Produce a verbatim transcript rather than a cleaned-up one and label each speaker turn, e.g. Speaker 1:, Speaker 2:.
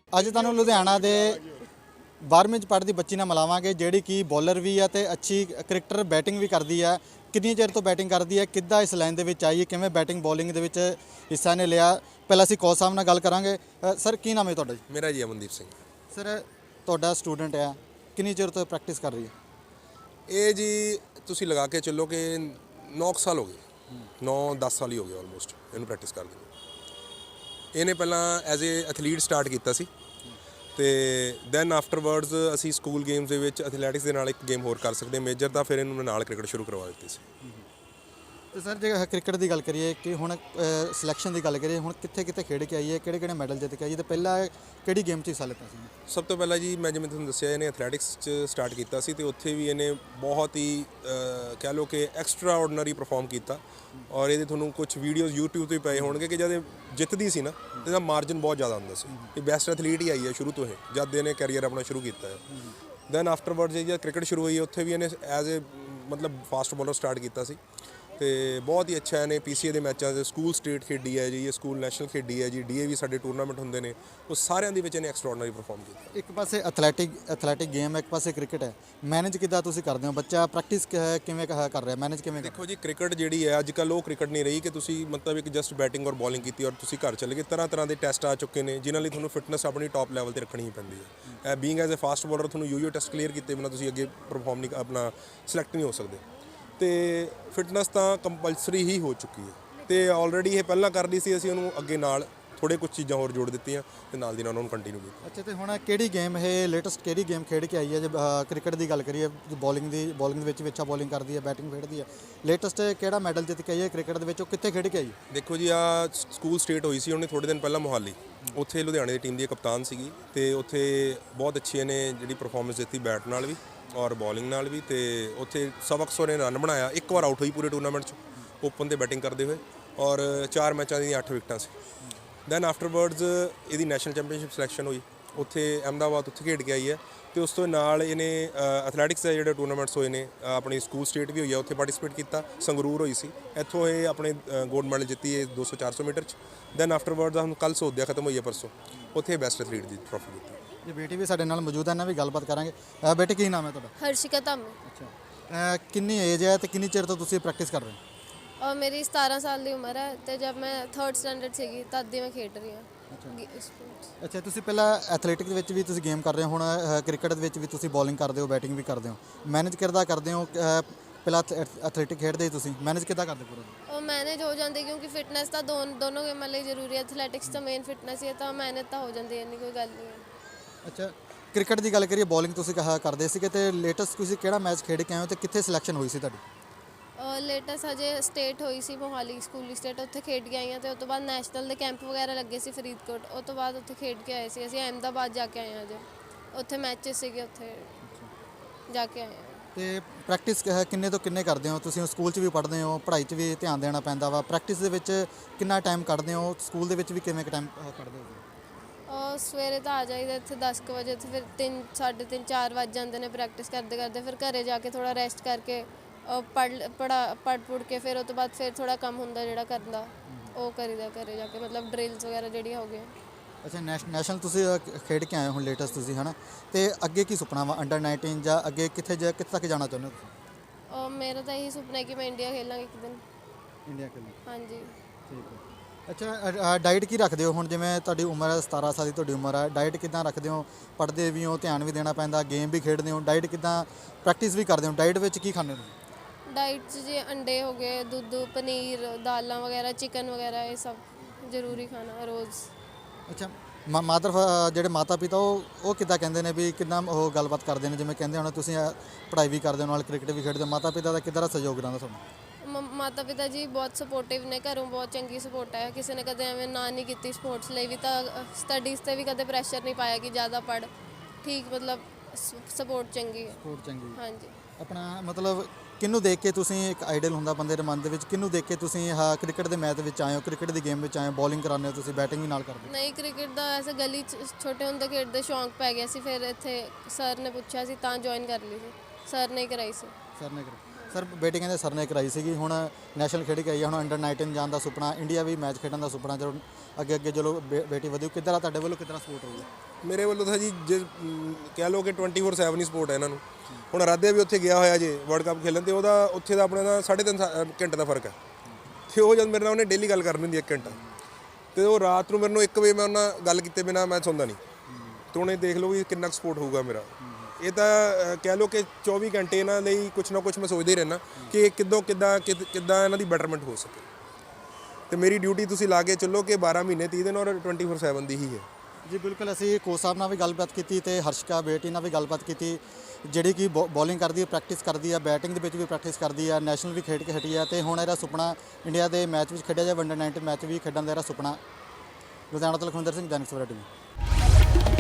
Speaker 1: ਅੱਜ ਤੁਹਾਨੂੰ ਲੁਧਿਆਣਾ ਦੇ ਬਾਰ੍ਹਵੀਂ ਚ ਪੜ੍ਹਦੀ ਬੱਚੀ ਨਾਲ ਮਿਲਾਵਾਂਗੇ ਜਿਹੜੀ ਕਿ ਬੋਲਰ ਵੀ ਹੈ ਤੇ ਅੱਛੀ ਕ੍ਰਿਕਟਰ ਬੈਟਿੰਗ ਵੀ ਕਰਦੀ ਹੈ। ਕਿੰਨੀ ਚਿਰ ਤੋਂ ਬੈਟਿੰਗ ਕਰਦੀ ਹੈ, ਕਿੱਦਾਂ ਇਸ ਲਾਈਨ ਦੇ ਵਿੱਚ ਆਈ ਹੈ, ਕਿਵੇਂ ਬੈਟਿੰਗ ਬੋਲਿੰਗ ਦੇ ਵਿੱਚ ਹਿੱਸਾ ਨੇ ਲਿਆ। ਪਹਿਲਾਂ ਅਸੀਂ ਕੋਚ ਸਾਹਿਬ ਨਾਲ ਗੱਲ ਕਰਾਂਗੇ। ਅ, ਸਰ ਕੀ ਨਾਮ ਹੈ ਤੁਹਾਡਾ ਜੀ?
Speaker 2: ਮੇਰਾ ਜੀ ਅਮਨਦੀਪ ਸਿੰਘ।
Speaker 1: ਸਰ ਤੁਹਾਡਾ ਸਟੂਡੈਂਟ ਹੈ, ਕਿੰਨੀ ਚਿਰ ਤੋਂ ਪ੍ਰੈਕਟਿਸ ਕਰ ਰਹੀ ਹੈ?
Speaker 2: ਇਹ ਜੀ ਤੁਸੀਂ ਲਗਾ ਕੇ ਚੱਲੋ ਕਿ ਨੌ ਸਾਲ ਹੋ ਗਏ, ਨੌ ਦਸ ਸਾਲ ਹੀ ਹੋ ਗਏ ਆਲਮੋਸਟ ਇਹਨੂੰ ਪ੍ਰੈਕਟਿਸ ਕਰਦੇ ਨੂੰ। ਇਹਨੇ ਪਹਿਲਾਂ ਐਜ਼ ਏ ਐਥਲੀਟ ਸਟਾਰਟ ਕੀਤਾ ਸੀ ਤੇ ਦੈਨ ਆਫਟਰਵਰਡਸ ਅਸੀਂ ਸਕੂਲ ਗੇਮਸ ਦੇ ਵਿੱਚ ਐਥਲੈਟਿਕਸ ਦੇ ਨਾਲ ਇੱਕ ਗੇਮ ਹੋਰ ਕਰ ਸਕਦੇ ਮੇਜਰ ਤਾਂ ਫਿਰ ਇਹਨੂੰ ਨਾਲ ਕ੍ਰਿਕਟ ਸ਼ੁਰੂ ਕਰਵਾ ਦਿੱਤੀ ਸੀ।
Speaker 1: ਤੇ ਸਰ ਜੇ ਕ੍ਰਿਕਟ ਦੀ ਗੱਲ ਕਰੀਏ ਕਿ ਹੁਣ ਸਿਲੈਕਸ਼ਨ ਦੀ ਗੱਲ ਕਰੀਏ, ਹੁਣ ਕਿੱਥੇ ਕਿੱਥੇ ਖੇਡ ਕੇ ਆਈ ਹੈ, ਕਿਹੜੇ ਕਿਹੜੇ ਮੈਡਲ ਜਿੱਤ ਕੇ ਆਈ ਹੈ, ਤੇ ਪਹਿਲਾਂ ਕਿਹੜੀ ਗੇਮ 'ਚ ਹਿੱਸਾ ਲਿੱਤਾ ਸੀ?
Speaker 2: ਸਭ ਤੋਂ ਪਹਿਲਾਂ ਜੀ ਮੈਂ ਜਿਵੇਂ ਤੁਹਾਨੂੰ ਦੱਸਿਆ ਇਹਨੇ ਐਥਲੈਟਿਕਸ 'ਚ ਸਟਾਰਟ ਕੀਤਾ ਸੀ ਤੇ ਉੱਥੇ ਵੀ ਇਹਨੇ ਬਹੁਤ ਹੀ ਕਹਿ ਲਓ ਕਿ ਐਕਸਟਰਾ ਆਰਡੀਨਰੀ ਪਰਫਾਰਮ ਕੀਤਾ ਔਰ ਇਹਦੇ ਤੁਹਾਨੂੰ ਕੁਝ ਵੀਡੀਓਜ਼ ਯੂਟਿਊਬ 'ਤੇ ਪਏ ਹੋਣਗੇ ਕਿ ਜਦ ਇਹ ਜਿੱਤਦੀ ਸੀ ਨਾ ਇਹਦਾ ਮਾਰਜਨ ਬਹੁਤ ਜ਼ਿਆਦਾ ਹੁੰਦਾ ਸੀ। ਇਹ ਬੈਸਟ ਐਥਲੀਟ ਹੀ ਆਈ ਹੈ ਸ਼ੁਰੂ ਤੋਂ ਇਹ ਜਦ ਇਹਨੇ ਕੈਰੀਅਰ ਆਪਣਾ ਸ਼ੁਰੂ ਕੀਤਾ ਹੈ। ਦੈਨ ਆਫਟਰਵਰਡਸ ਜੇ ਕ੍ਰਿਕਟ ਸ਼ੁਰੂ ਹੋਈ ਉੱਥੇ ਵੀ ਇਹਨੇ ਐਜ਼ ਏ ਮਤਲਬ ਫਾਸਟ ਬੋਲਰ ਸਟਾਰਟ ਕੀਤਾ ਸੀ ਤੇ ਬਹੁਤ ਹੀ ਅੱਛਾ ਇਹਨੇ ਪੀਸੀਏ ਦੇ ਮੈਚਾਂ 'ਚ ਸਕੂਲ ਸਟੇਟ ਖੇਡੀ ਹੈ ਜੀ, ਇਹ ਸਕੂਲ ਨੈਸ਼ਨਲ ਖੇਡੀ ਹੈ ਜੀ, ਡੀਏ ਵੀ ਸਾਡੇ ਟੂਰਨਾਮੈਂਟ ਹੁੰਦੇ ਨੇ ਉਹ ਸਾਰਿਆਂ ਦੇ ਵਿੱਚ ਇਹਨੇ ਐਕਸਟਰਾਆਰਡੀਨਰੀ ਪਰਫਾਰਮ ਕੀਤਾ।
Speaker 1: ਇੱਕ ਪਾਸੇ ਐਥਲੈਟਿਕ ਐਥਲੈਟਿਕ ਗੇਮ, ਇੱਕ ਪਾਸੇ ਕ੍ਰਿਕਟ ਹੈ, ਮੈਨੇਜ ਕਿੱਦਾਂ ਤੁਸੀਂ ਕਰਦੇ ਹੋ? ਬੱਚਾ ਪ੍ਰੈਕਟਿਸ ਕਿਵੇਂ ਕਰ ਰਿਹਾ, ਮੈਨੇਜ ਕਿਵੇਂ?
Speaker 2: ਦੇਖੋ ਜੀ ਕ੍ਰਿਕਟ ਜਿਹੜੀ ਹੈ ਅੱਜ ਕੱਲ੍ਹ ਉਹ ਕ੍ਰਿਕਟ ਨਹੀਂ ਰਹੀ ਕਿ ਤੁਸੀਂ ਮਤਲਬ ਇੱਕ ਜਸਟ ਬੈਟਿੰਗ ਔਰ ਬੋਲਿੰਗ ਕੀਤੀ ਔਰ ਤੁਸੀਂ ਘਰ ਚਲੇ ਗਏ। ਤਰ੍ਹਾਂ ਤਰ੍ਹਾਂ ਦੇ ਟੈਸਟ ਆ ਚੁੱਕੇ ਨੇ ਜਿਨ੍ਹਾਂ ਲਈ ਤੁਹਾਨੂੰ ਫਿਟਨੈਸ ਆਪਣੀ ਟੌਪ ਲੈਵਲ 'ਤੇ ਰੱਖਣੀ ਹੀ ਪੈਂਦੀ ਹੈ। Being as a fast bowler ਤੁਹਾਨੂੰ ਯੂਯੋ ਟੈਸਟ ਕਲੀਅਰ ਕੀਤੇ ਬਿਨਾਂ ਤੁਸੀਂ ਅੱਗੇ ਪਰਫਾਰਮ ਨਹੀਂ ਆਪਣਾ ਸਿਲੈਕਟ ਨਹੀਂ ਹੋ ਸਕਦੇ ਤੇ ਫਿਟਨੈਸ ਤਾਂ ਕੰਪਲਸਰੀ ਹੀ ਹੋ ਚੁੱਕੀ ਹੈ ਤੇ ਆਲਰੇਡੀ ਇਹ ਪਹਿਲਾਂ ਕਰ ਲਈ ਸੀ, ਅਸੀਂ ਉਹਨੂੰ ਅੱਗੇ ਨਾਲ ਥੋੜ੍ਹੇ ਕੁਝ ਚੀਜ਼ਾਂ ਹੋਰ ਜੋੜ ਦਿੱਤੀਆਂ ਤੇ ਨਾਲ ਦੀ ਨਾਲ ਉਹਨੂੰ ਕੰਟੀਨਿਊ ਕੀਤਾ।
Speaker 1: ਅੱਛਾ, ਤੇ ਹੁਣ ਕਿਹੜੀ ਗੇਮ ਇਹ ਲੇਟੈਸਟ ਕਿਹੜੀ ਗੇਮ ਖੇਡ ਕੇ ਆਈ ਹੈ? ਜੇ ਕ੍ਰਿਕਟ ਦੀ ਗੱਲ ਕਰੀਏ, ਬੋਲਿੰਗ ਦੀ ਬੋਲਿੰਗ ਦੇ ਵਿੱਚ ਵੀ ਅੱਛਾ ਬੋਲਿੰਗ ਕਰਦੀ ਹੈ, ਬੈਟਿੰਗ ਖੇਡਦੀ ਹੈ। ਲੇਟੈਸਟ ਕਿਹੜਾ ਮੈਡਲ ਜਿੱਤ ਕੇ ਆਈ ਹੈ ਕ੍ਰਿਕਟ ਦੇ ਵਿੱਚ, ਉਹ ਕਿੱਥੇ ਖੇਡ ਕੇ ਆਈ?
Speaker 2: ਦੇਖੋ ਜੀ ਆ ਸਕੂਲ ਸਟੇਟ ਹੋਈ ਸੀ ਉਹਨੇ ਥੋੜ੍ਹੇ ਦਿਨ ਪਹਿਲਾਂ ਮੋਹਾਲੀ, ਉੱਥੇ ਲੁਧਿਆਣੇ ਦੀ ਟੀਮ ਦੀ ਕਪਤਾਨ ਸੀਗੀ ਤੇ ਉੱਥੇ ਬਹੁਤ ਅੱਛੀ ਇਹਨੇ ਜਿਹੜੀ ਪਰਫਾਰਮੈਂਸ ਦਿੱਤੀ ਬੈਟ ਨਾਲ ਵੀ ਔਰ ਬੋਲਿੰਗ ਨਾਲ ਵੀ ਤੇ ਉੱਥੇ ਸਬਕ ਸੌ ਨੇ ਰਨ ਬਣਾਇਆ। ਇੱਕ ਵਾਰ ਆਊਟ ਹੋਈ ਪੂਰੇ ਟੂਰਨਾਮੈਂਟ 'ਚ ਓਪਨ 'ਤੇ ਬੈਟਿੰਗ ਕਰਦੇ ਹੋਏ ਔਰ ਚਾਰ ਮੈਚਾਂ ਦੀਆਂ ਅੱਠ ਵਿਕਟਾਂ ਸੀ। ਦੈਨ ਆਫਟਰਵਰਡਸ ਇਹਦੀ ਨੈਸ਼ਨਲ ਚੈਂਪੀਅਨਸ਼ਿਪ ਸਿਲੈਕਸ਼ਨ ਹੋਈ ਉੱਥੇ ਅਹਿਮਦਾਬਾਦ, ਉੱਥੇ ਖੇਡ ਕੇ ਆਈ ਹੈ ਤੇ ਉਸ ਤੋਂ ਨਾਲ ਇਹਨੇ ਐਥਲੈਟਿਕਸ ਦੇ ਜਿਹੜੇ ਟੂਰਨਾਮੈਂਟਸ ਹੋਏ ਨੇ ਆਪਣੀ ਸਕੂਲ ਸਟੇਟ ਵੀ ਹੋਈ ਹੈ ਉੱਥੇ ਪਾਰਟਿਸਿਪੇਟ ਕੀਤਾ। ਸੰਗਰੂਰ ਹੋਈ ਸੀ, ਇੱਥੋਂ ਇਹ ਆਪਣੇ ਗੋਲਡ ਮੈਡਲ ਜਿੱਤੀ ਹੈ ਦੋ ਸੌ ਚਾਰ ਸੌ ਮੀਟਰ 'ਚ। ਦੈਨ ਆਫਟਰਵਰਡਸ ਹੁਣ ਕੱਲ੍ਹ ਸੋਧਿਆ ਖਤਮ ਹੋਈ ਹੈ ਪਰਸੋਂ, ਉੱਥੇ ਬੈਸਟ ਐਥਲੀਟ ਦੀ ਟਰੋਫੀ ਜਿੱਤੀ।
Speaker 1: ਇਹ ਬੇਟੀ ਵੀ ਸਾਡੇ ਨਾਲ ਮੌਜੂਦ ਹੈ, ਇਹਨਾਂ ਵੀ ਗੱਲਬਾਤ ਕਰਾਂਗੇ। ਅ, ਬੇਟੇ ਕੀ ਨਾਮ ਹੈ ਤੁਹਾਡਾ?
Speaker 3: ਹਰਸ਼ਿਕਾ ਧਾਮੀ।
Speaker 1: ਅੱਛਾ, ਕਿੰਨੀ ਏਜ ਹੈ ਤੇ ਕਿੰਨੀ ਚਿਰ ਤੋਂ ਤੁਸੀਂ ਪ੍ਰੈਕਟਿਸ ਕਰ ਰਹੇ ਹੋ?
Speaker 3: ਔਰ ਮੇਰੀ ਸਤਾਰਾਂ ਸਾਲ ਦੀ ਉਮਰ ਹੈ ਤੇ ਜਦ ਮੈਂ ਥਰਡ ਸਟੈਂਡਰਡ ਸੀਗੀ ਤਦ ਦੀ ਮੈਂ ਖੇਡ ਰਹੀ ਹਾਂ ਸਪੋਰਟਸ।
Speaker 1: ਅੱਛਾ, ਤੁਸੀਂ ਪਹਿਲਾਂ ਐਥਲੈਟਿਕ ਦੇ ਵਿੱਚ ਵੀ ਤੁਸੀਂ ਗੇਮ ਕਰ ਰਹੇ ਹੋ, ਹੁਣ ਕ੍ਰਿਕਟ ਦੇ ਵਿੱਚ ਵੀ ਤੁਸੀਂ ਬੋਲਿੰਗ ਕਰਦੇ ਹੋ, ਬੈਟਿੰਗ ਵੀ ਕਰਦੇ ਹੋ, ਮੈਨੇਜ ਕਿੱਦਾਂ ਕਰਦੇ ਹੋ? ਪਹਿਲਾਂ ਐਥਲੈਟਿਕ ਖੇਡਦੇ ਹੀ ਤੁਸੀਂ ਮੈਨੇਜ ਕਿੱਦਾਂ ਕਰਦੇ ਪੂਰਾ?
Speaker 3: ਉਹ ਮੈਨੇਜ ਹੋ ਜਾਂਦੀ ਕਿਉਂਕਿ ਫਿਟਨੈਸ ਤਾਂ ਦੋਨ ਦੋਨੋਂ ਗੇਮਾਂ ਲਈ ਜ਼ਰੂਰੀ ਹੈ। ਐਥਲੈਟਿਕਸ ਤਾਂ ਮੇਨ ਫਿਟਨੈਸ ਹੀ ਹੈ ਤਾਂ ਮੈਨੇਜ ਤਾਂ ਹੋ ਜਾਂਦੀ ਹੈ, ਇੰਨੀ ਕੋਈ ਗੱਲ ਨਹੀਂ ਹੈ।
Speaker 1: ਅੱਛਾ, ਕ੍ਰਿਕਟ ਦੀ ਗੱਲ ਕਰੀਏ, ਬੋਲਿੰਗ ਤੁਸੀਂ ਕਹਾ ਕਰਦੇ ਸੀਗੇ ਤੇ ਲੇਟੈਸਟ ਤੁਸੀਂ ਕਿਹੜਾ ਮੈਚ ਖੇਡ ਕੇ ਆਏ ਹੋ ਤੇ ਕਿੱਥੇ ਸਿਲੈਕਸ਼ਨ ਹੋਈ ਸੀ ਤੁਹਾਡੀ?
Speaker 3: ਲੇਟੈਸਟ ਹਜੇ ਸਟੇਟ ਹੋਈ ਸੀ ਮੋਹਾਲੀ ਸਕੂਲੀ ਸਟੇਟ, ਉੱਥੇ ਖੇਡ ਕੇ ਆਈ ਹਾਂ ਤੇ ਉਸ ਤੋਂ ਬਾਅਦ ਨੈਸ਼ਨਲ ਦੇ ਕੈਂਪ ਵਗੈਰਾ ਲੱਗੇ ਸੀ ਫਰੀਦਕੋਟ, ਉਸ ਤੋਂ ਬਾਅਦ ਉੱਥੇ ਖੇਡ ਕੇ ਆਏ ਸੀ। ਅਸੀਂ ਅਹਿਮਦਾਬਾਦ ਜਾ ਕੇ ਆਏ ਹਾਂ, ਹਜੇ ਉੱਥੇ ਮੈਚਿਸ ਸੀਗੇ, ਉੱਥੇ ਜਾ ਕੇ ਆਏ ਹਾਂ। ਤੇ
Speaker 1: ਪ੍ਰੈਕਟਿਸ ਕਿੰਨੇ ਤੋਂ ਕਿੰਨੇ ਕਰਦੇ ਹੋ ਤੁਸੀਂ? ਸਕੂਲ 'ਚ ਵੀ ਪੜ੍ਹਦੇ ਹੋ, ਪੜ੍ਹਾਈ 'ਚ ਵੀ ਧਿਆਨ ਦੇਣਾ ਪੈਂਦਾ ਵਾ, ਪ੍ਰੈਕਟਿਸ ਦੇ ਵਿੱਚ ਕਿੰਨਾ ਟਾਈਮ ਕੱਢਦੇ ਹੋ? ਸਕੂਲ ਦੇ ਵਿੱਚ ਵੀ ਕਿਵੇਂ ਕੁ ਟਾਈਮ ਕੱਢਦੇ ਹੋ?
Speaker 3: ਸਵੇਰੇ ਤਾਂ ਆ ਜਾਈਦਾ ਇੱਥੇ ਦਸ ਕੁ ਵਜੇ, ਫਿਰ ਤਿੰਨ ਸਾਢੇ ਤਿੰਨ ਚਾਰ ਵੱਜ ਜਾਂਦੇ ਨੇ ਪ੍ਰੈਕਟਿਸ ਕਰਦੇ ਕਰਦੇ। ਫਿਰ ਘਰੇ ਜਾ ਕੇ ਥੋੜ੍ਹਾ ਰੈਸਟ ਕਰਕੇ ਪੜ੍ਹ ਪੜਾ ਪੜ੍ਹ ਪੁੜ ਕੇ ਫਿਰ ਉਹ ਤੋਂ ਬਾਅਦ ਫਿਰ ਥੋੜ੍ਹਾ ਕੰਮ ਹੁੰਦਾ ਜਿਹੜਾ ਕਰਦਾ ਉਹ ਕਰੀਦਾ ਘਰੇ ਜਾ ਕੇ, ਮਤਲਬ ਡਰਿਲਸ ਵਗੈਰਾ ਜਿਹੜੀਆਂ ਹੋ ਗਈਆਂ।
Speaker 1: ਅੱਛਾ, ਨੈਸ਼ ਨੈਸ਼ਨਲ ਤੁਸੀਂ ਖੇਡ ਕੇ ਆਏ ਹੋ ਹੁਣ ਲੇਟੈਸਟ ਤੁਸੀਂ, ਹੈ ਨਾ? ਤੇ ਅੱਗੇ ਕੀ ਸੁਪਨਾ ਵਾ ਅੰਡਰ ਨਾਈਨਟੀਨ ਜਾਂ ਅੱਗੇ ਕਿੱਥੇ ਜਾ ਕਿੱਥੇ ਤੱਕ ਜਾਣਾ ਚਾਹੁੰਦੇ ਹੋ?
Speaker 3: ਮੇਰਾ ਤਾਂ ਇਹੀ ਸੁਪਨਾ ਹੈ ਕਿ ਮੈਂ ਇੰਡੀਆ ਖੇਲਾਂਗੀ ਇੱਕ ਦਿਨ।
Speaker 1: ਇੰਡੀਆ ਖੇਲਾਂ?
Speaker 3: ਹਾਂਜੀ।
Speaker 1: ਠੀਕ ਹੈ। ਅੱਛਾ, ਡਾਈਟ ਕੀ ਰੱਖਦੇ ਹੋ ਹੁਣ? ਜਿਵੇਂ ਤੁਹਾਡੀ ਉਮਰ ਹੈ ਸਤਾਰਾਂ ਸਾਲ ਦੀ, ਤੁਹਾਡੀ ਉਮਰ ਹੈ, ਡਾਈਟ ਕਿੱਦਾਂ ਰੱਖਦੇ ਹੋ? ਪੜ੍ਹਦੇ ਵੀ ਹੋ, ਧਿਆਨ ਵੀ ਦੇਣਾ ਪੈਂਦਾ, ਗੇਮ ਵੀ ਖੇਡਦੇ ਹੋ, ਡਾਈਟ ਕਿੱਦਾਂ, ਪ੍ਰੈਕਟਿਸ ਵੀ ਕਰਦੇ ਹੋ, ਡਾਈਟ ਵਿੱਚ ਕੀ ਖਾਂਦੇ ਹੋ?
Speaker 3: ਡਾਈਟ 'ਚ ਜੇ ਅੰਡੇ ਹੋ ਗਏ, ਦੁੱਧ, ਪਨੀਰ, ਦਾਲਾਂ ਵਗੈਰਾ, ਚਿਕਨ ਵਗੈਰਾ, ਇਹ ਸਭ ਜ਼ਰੂਰੀ ਖਾਣਾ ਰੋਜ਼।
Speaker 1: ਅੱਛਾ, ਮਾ ਮਾਦਰ ਜਿਹੜੇ ਮਾਤਾ ਪਿਤਾ ਉਹ ਉਹ ਕਿੱਦਾਂ ਕਹਿੰਦੇ ਨੇ ਵੀ ਕਿੰਨਾ ਉਹ ਗੱਲਬਾਤ ਕਰਦੇ ਨੇ? ਜਿਵੇਂ ਕਹਿੰਦੇ ਹੁਣ ਤੁਸੀਂ ਪੜ੍ਹਾਈ ਵੀ ਕਰਦੇ ਹੋ ਨਾਲ ਕ੍ਰਿਕਟ ਵੀ ਖੇਡਦੇ ਹੋ, ਮਾਤਾ ਪਿਤਾ ਦਾ ਕਿੱਦਾਂ ਦਾ ਸਹਿਯੋਗ ਰਹਿੰਦਾ ਤੁਹਾਨੂੰ?
Speaker 3: ਮਾਤਾ ਪਿਤਾ ਜੀ ਬਹੁਤ ਸਪੋਰਟਿਵ ਨੇ, ਘਰੋਂ ਬਹੁਤ ਚੰਗੀ ਸਪੋਰਟ ਹੈ, ਕਿਸੇ ਨੇ ਕਦੇ ਐਵੇਂ ਨਾ ਨਹੀਂ ਕੀਤੀ। ਸਪੋਰਟਸ ਲਈ ਵੀ ਤਾਂ ਸਟੱਡੀਜ਼ 'ਤੇ ਵੀ ਕਦੇ ਪ੍ਰੈਸ਼ਰ ਨਹੀਂ ਪਾਇਆ ਕਿ ਜ਼ਿਆਦਾ ਪੜ੍ਹ, ਠੀਕ, ਮਤਲਬ ਸਪੋਰਟ ਚੰਗੀ ਹੈ।
Speaker 1: ਸਪੋਰਟ ਚੰਗੀ।
Speaker 3: ਹਾਂਜੀ।
Speaker 1: ਆਪਣਾ ਮਤਲਬ ਕਿਹਨੂੰ ਦੇਖ ਕੇ ਤੁਸੀਂ, ਇੱਕ ਆਈਡਲ ਹੁੰਦਾ ਬੰਦੇ ਦੇ ਮਨ ਦੇ ਵਿੱਚ, ਕਿਹਨੂੰ ਦੇਖ ਕੇ ਤੁਸੀਂ ਆਹ ਕ੍ਰਿਕਟ ਦੇ ਮੈਚ ਵਿੱਚ ਆਏ ਹੋ, ਕ੍ਰਿਕਟ ਦੀ ਗੇਮ ਵਿੱਚ ਆਏ ਹੋ, ਬੋਲਿੰਗ ਕਰਾਉਂਦੇ ਹੋ ਤੁਸੀਂ, ਬੈਟਿੰਗ ਵੀ ਨਾਲ ਕਰਦੇ ਹੋ?
Speaker 3: ਨਹੀਂ, ਕ੍ਰਿਕਟ ਦਾ ਐਸੇ ਗਲੀ 'ਚ ਛੋਟੇ ਹੁੰਦੇ ਖੇਡਦੇ ਸ਼ੌਂਕ ਪੈ ਗਿਆ ਸੀ, ਫਿਰ ਇੱਥੇ ਸਰ ਨੇ ਪੁੱਛਿਆ ਸੀ ਤਾਂ ਜੁਆਇਨ ਕਰ ਲਈ ਸੀ, ਸਰ ਨੇ ਕਰਾਈ ਸੀ।
Speaker 1: ਸਰ ਨੇ ਕਰਾਈ। ਸਰ ਬੇਟੀ ਕਹਿੰਦੇ ਸਰ ਨੇ ਕਰਾਈ ਸੀਗੀ, ਹੁਣ ਨੈਸ਼ਨਲ ਖੇਡ ਕੇ ਆਈ ਹੈ, ਹੁਣ ਅੰਡਰ ਨਾਈਨਟੀਨ ਜਾਣ ਦਾ ਸੁਪਨਾ, ਇੰਡੀਆ ਵੀ ਮੈਚ ਖੇਡਣ ਦਾ ਸੁਪਨਾ, ਜਦੋਂ ਅੱਗੇ ਅੱਗੇ ਚਲੋ ਬੇ- ਬੇਟੀ ਵਧੂ, ਕਿੱਦਾਂ ਦਾ ਤੁਹਾਡੇ ਵੱਲੋਂ ਕਿੱਦਾਂ ਸਪੋਰਟ ਹੋਊਗਾ?
Speaker 2: ਮੇਰੇ ਵੱਲੋਂ ਤਾਂ ਜੀ ਜੇ ਮ, ਕਹਿ ਲਓ ਕਿ ਟਵੈਂਟੀ ਫੋਰ ਸੈਵਨ ਹੀ ਸਪੋਰਟ ਹੈ ਇਹਨਾਂ ਨੂੰ। ਹੁਣ ਆਰਾਧਿਆ ਵੀ ਉੱਥੇ ਗਿਆ ਹੋਇਆ ਜੇ ਵਰਲਡ ਕੱਪ ਖੇਲਣ, ਤੇ ਉਹਦਾ ਉੱਥੇ ਦਾ ਆਪਣੇ ਦਾ ਸਾਢੇ ਤਿੰਨ ਸਾ- ਅ, ਘੰਟੇ ਦਾ ਫਰਕ ਹੈ, ਤੇ ਉਹ ਜਦ ਮੇਰੇ ਨਾਲ ਉਹਨੇ ਡੇਲੀ ਗੱਲ ਕਰਨੀ ਹੁੰਦੀ ਇੱਕ ਘੰਟਾ, ਤੇ ਉਹ ਰਾਤ ਨੂੰ ਮੇਰੇ ਨੂੰ ਇੱਕ ਵਜੇ ਮੈਂ ਉਹਨਾਂ ਨਾਲ ਗੱਲ ਕੀਤੇ ਬਿਨਾਂ ਮੈਂ ਸੌਂਦਾ ਨਹੀਂ, ਤੇ ਉਹਨੇ ਦੇਖ ਲਓ ਵੀ ਕਿੰਨਾ ਸਪੋਰਟ ਹੋਊਗਾ ਮੇਰਾ। ਇਹ ਤਾਂ ਅ, ਕਹਿ ਲਓ ਕਿ ਚੌਵੀ ਘੰਟੇ ਇਹਨਾਂ ਲਈ ਕੁਛ ਨਾ ਕੁਛ ਮੈਂ ਸੋਚਦਾ ਹੀ ਰਹਿਣਾ ਕਿ ਇਹ ਕਿੱਦੋਂ ਕਿੱਦਾਂ ਕਿੱਦ- ਕਿੱਦਾਂ ਇਹਨਾਂ ਦੀ ਬੈਟਰਮੈਂਟ ਹੋ ਸਕੇ, ਤੇ ਮੇਰੀ ਡਿਊਟੀ ਤੁਸੀਂ ਲਾ ਕੇ ਚੱਲੋ ਕਿ ਬਾਰਾਂ ਮਹੀਨੇ ਤੀਹ ਦਿਨ ਔਰ ਟਵੈਂਟੀ ਫੋਰ ਸੈਵਨ ਦੀ ਹੀ ਹੈ।
Speaker 1: ਜੀ ਬਿਲਕੁਲ, ਅਸੀਂ ਕੋਚ ਸਾਹਿਬ ਨਾਲ ਵੀ ਗੱਲਬਾਤ ਕੀਤੀ ਤੇ ਹਰਸ਼ਿਕਾ ਬੇਟੀ ਨਾਲ ਵੀ ਗੱਲਬਾਤ ਕੀਤੀ, ਜਿਹੜੀ ਕਿ ਬੋਲਿੰਗ ਕਰਦੀ ਹੈ, ਪ੍ਰੈਕਟਿਸ ਕਰਦੀ ਹੈ, ਬੈਟਿੰਗ ਦੇ ਵਿੱਚ ਵੀ ਪ੍ਰੈਕਟਿਸ ਕਰਦੀ ਹੈ, ਨੈਸ਼ਨਲ ਵੀ ਖੇਡ ਕੇ ਹਟੀ ਹੈ, ਤੇ ਹੁਣ ਇਹਦਾ ਸੁਪਨਾ ਇੰਡੀਆ ਦੇ ਮੈਚ ਵਿੱਚ ਖੇਡਿਆ ਜਾਵੇ, ਅੰਡਰ ਨਾਈਨਟੀਨ ਮੈਚ ਵੀ ਖੇਡਣ ਦਾ ਇਹਦਾ ਸੁਪਨਾ। ਲੁਧਿਆਣਾ ਤੋਂ ਲਖਵਿੰਦਰ ਸਿੰਘ, ਦੈਨਿਕ ਸਵੇਰਾ ਟੀਵੀ।